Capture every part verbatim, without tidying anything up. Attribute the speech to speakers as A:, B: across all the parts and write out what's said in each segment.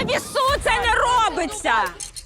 A: На вісу це не робиться!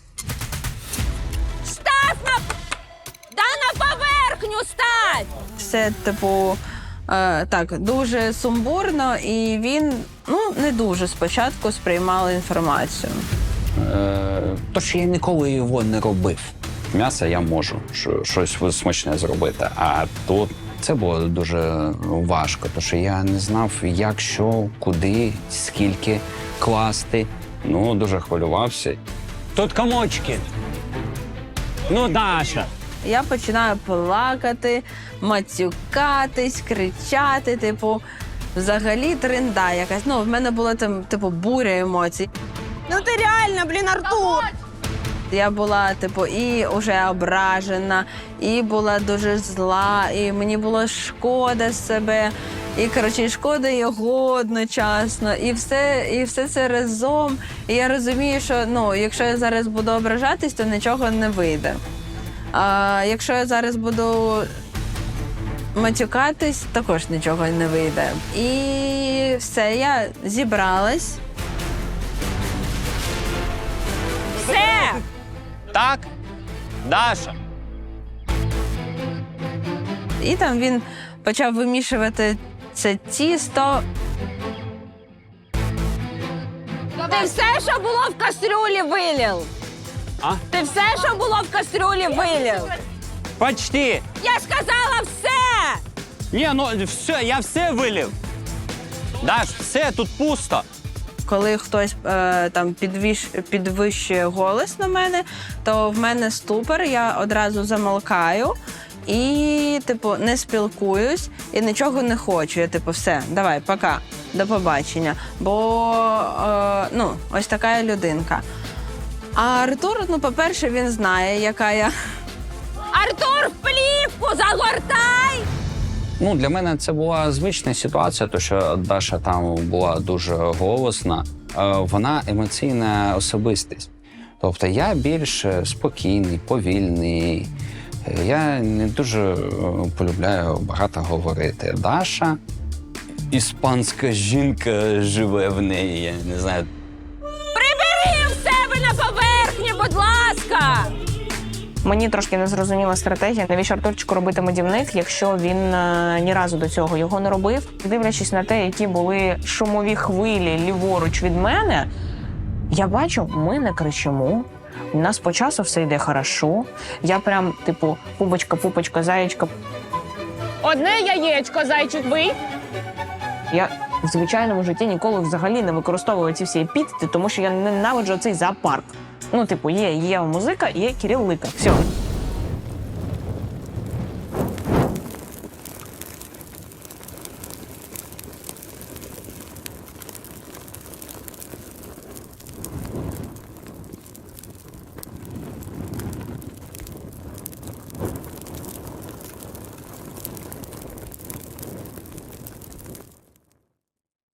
A: Став на... Да на поверхню стать!
B: Все, типу, е, так, дуже сумбурно, і він, ну, не дуже спочатку сприймав інформацію.
C: Е, тож я ніколи його не робив. М'ясо я можу що, щось смачне зробити, а тут це було дуже важко, тому що я не знав, як, що, куди, скільки класти. Ну, дуже хвилювався.
D: Тут комочки. Ну, Даша.
B: Я починаю плакати, матюкатись, кричати, типу, взагалі тринда якась. Ну, в мене була там, типу, буря емоцій.
A: Ну ти реально, блін, Артур!
B: Я була, типу, і вже ображена, і була дуже зла, і мені було шкода себе, і, коротше, і шкода його одночасно, і все, і все це разом. І я розумію, що, ну, якщо я зараз буду ображатись, то нічого не вийде. А якщо я зараз буду матюкатись, також нічого не вийде. І все, я зібралась.
A: Все!
D: Так? Даша.
B: І там він почав вимішувати це тісто.
A: Ти все, що було в кастрюлі, вилив!
D: А?
A: Ти все, що було в кастрюлі, вилив!
D: Почти.
A: Я сказала все!
D: Ні, ну все, я все вилив. Даш, все, тут пусто.
B: Коли хтось е, там підвищ, підвищує голос на мене, то в мене ступор, я одразу замолкаю і, типу, не спілкуюсь і нічого не хочу. Я, типу, все, давай, пока, до побачення. Бо, е, ну, ось така я людинка. А Артур, ну, по-перше, він знає, яка я.
A: Артур, в плівку загортай!
C: Ну, для мене це була звична ситуація, тому що Даша там була дуже голосна. Е, Вона емоційна особистість. Тобто я більш спокійний, повільний. Е, Я не дуже е, полюбляю багато говорити. Даша, іспанська жінка живе в неї, я не знаю.
A: Прибери в себе на поверхні, будь ласка!
E: Мені трошки не зрозуміла стратегія, навіщо Артурчику робити медівник, якщо він е, ні разу до цього його не робив. Дивлячись на те, які були шумові хвилі ліворуч від мене, я бачу, ми не кричимо. У нас по часу все йде хорошо. Я прям, типу, пупочка, пупочка, заєчка.
A: Одне яєчко, зайчик, ви.
E: Я в звичайному житті ніколи взагалі не використовую ці всі епітети, тому що я ненавиджу цей зоопарк. Ну, типу, є Єва Музика і є Кирил Лика. Все.